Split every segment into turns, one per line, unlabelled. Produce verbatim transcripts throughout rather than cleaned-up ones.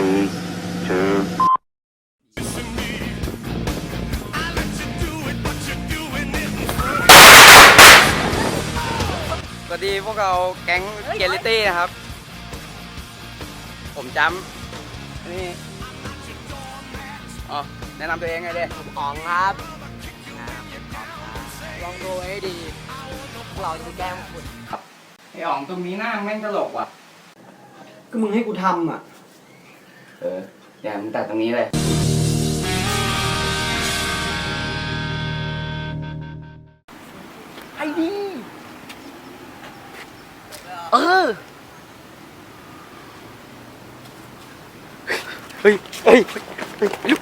three, two.
สวัสดีพวกเราแก๊งเกลิตี้นะครับผมจำนี่อ๋อแนะนำตัวเองไงเด้
ผมอ๋องครับลองดูให้ดีพวกเราจะไปแกล้งคุณ
ไอ้อ๋องตรงนี้หน้าแม่งตลกว่ะ
ก็มึงให้กูทำอ่ะ
เออเดี๋ยวมึงตัดตรงนี้เลย
ไอ้ดีเออ
เฮ้ยเฮ้ยเฮ้ยลุก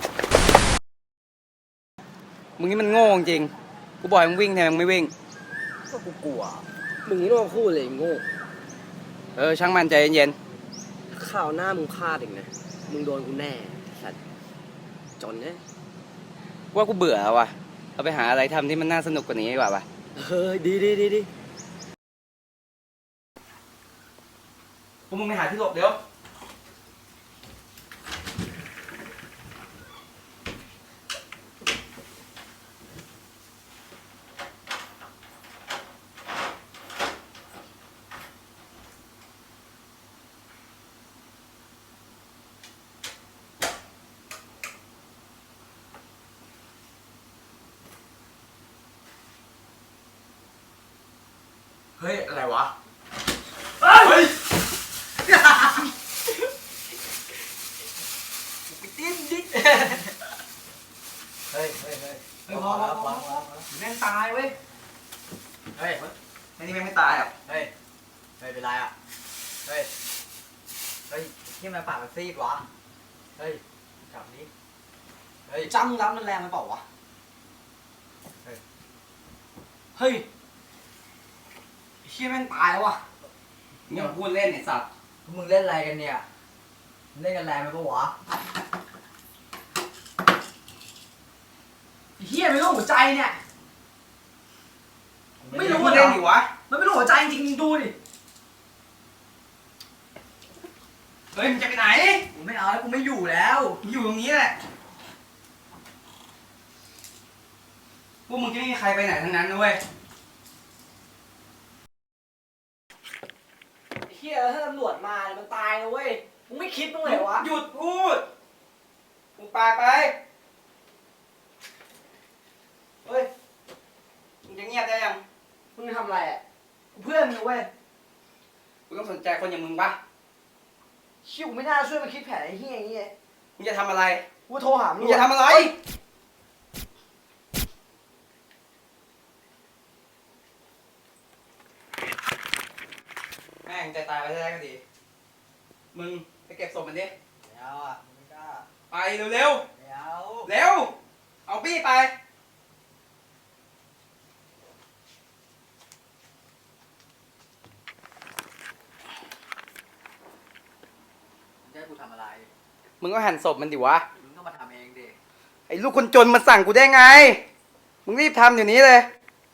มึงนี่มันโง่จริงกูบอกให้มึงวิ่งแทนมึงไม่วิ่ง
ก็กูกลัวมึงนี่ต้องมาพูดเลยโง่
เออช่างมันใจเย็น
ข่าวหน้ามึงพลาดอีกนะมึงโดนกูแน่สัตว์จนเนี่ย
ๆว่ากูเบื่อแล้วว่ะเราไปหาอะไรทำที่มันน่าสนุกกว่านี้ดีกว่าป่ะ
เออดีดีดีดี
พวกมึงไปหาที่หลบเดี๋ยวเฮ้ยอะไรวะเฮ้ยดิ้นดิ้นเฮ้ยเฮ้ยเฮ้ยเฮ้ยพอพอพอพอแม่งตายเว้ยเฮ้ยไอ้นี่แม่งไม่ตายอ่ะเฮ้ยเฮ้ยเป็นไรอ่ะเฮ้ยเฮ้ยที่มันปากมันซีดวะเฮ้ยกลับนี้เฮ้ยจ้ำรับมันแรงมันเปล่าวะเฮ้ยเฮ้ยเชี่ยแม่งตายวะเนี่ยพูดเล่นไอ้สัตว์มึงเล่นอะไรกันเนี่ยเล่นกันแรงไหมปะวะเฮียไม่รู้หัวใจเนี่ยไม่รู้เล่นดิวะมันไม่รู้หัวใจจริงๆดูดิเฮ้ยมึงจะไปไหนกูไม่เอาแล้วกูไม่อยู่แล้วอยู่ตรงนี้แหละพวกมึงจะไม่มีใครไปไหนทั้งนั้นนะเว้ย
เฮียถ้าตำรวจมาเนี่ยมันตายนะเว้ยมึงไม่คิดบ้างเลยวะ
หยุดพูดมึงปากไปเฮ้ยมึงจะเงียบได้ยัง
มึงทำอะไรอ่ะกูเพื่อนมึงเว้ย
กูต้องสนใจคนอย่างมึงปะ
ชิวไม่น่าช่วยมาคิดแผนไอ้เฮียอย่างเงี้ย
มึงจะทำอะไร
กูโทรหามึ
มึงจะทำอะไรแม่งใจตายไปได้ก็ดีมึงไปเก็บศพมันดิ
แล้วอ่ะไม่กล้า
ไปเร็ว
แล้ว
ๆเร็วเอาปี้ไป
จะให้กูทำอะไร
มึงก็หั่นศพมันดิวะ
มึงก็มาทำเองดิ
ไอ้ลูกคนจนมาสั่งกูได้ไงมึงรีบทำเดี๋ยวนี้เลย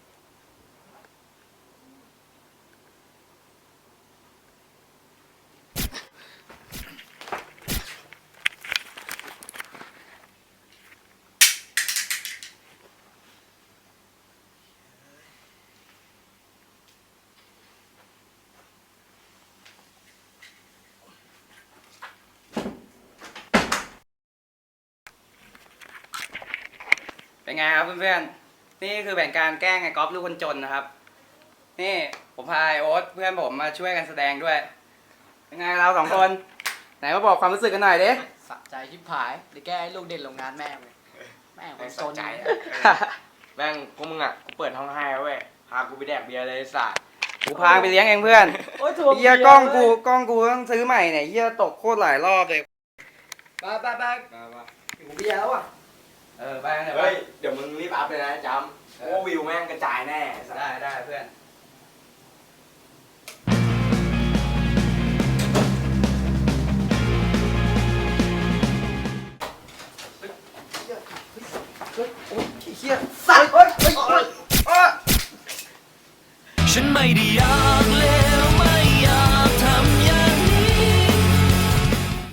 เป็นไงครับเพื่อนๆนี่คือแผนการแกล้งไอ้ก๊อฟลูกคนจนนะครับนี่ผมพาไอ้โอ๊ตเพื่อนผมมาช่วยกันแสดงด้วยเป็นไงเราสองคนไหนมาบอกความรู้สึกกันหน่อยดิ
สะใจชิบหายเดี๋ยวแกให้ลูกเด่นโรงงานแม่งเลยแม่งคนจน
แม่งพวกมึงอ่ะกูเปิดห้องให้เว้ยพากูไปแดกเบียร์เลยไอ้สัตว์
กูพาไปเลี้ยงเองเพื่อน
โอ้ยถูก
เฮียกล้องกูกล้องกูต้องซื้อใหม่เนี่ยเฮียตกโคตรหลายรอบเลย
ไปไปไปกูเบียร์แล้วอ่ะ
เออไปกันเถอะ
เฮ้ยเดี๋ยวมึงรีบอัพเลยนะจำเพราะว่าวิวแม่งกระจายแน่ไอ้สัตว์
ได้ได้เพื่อน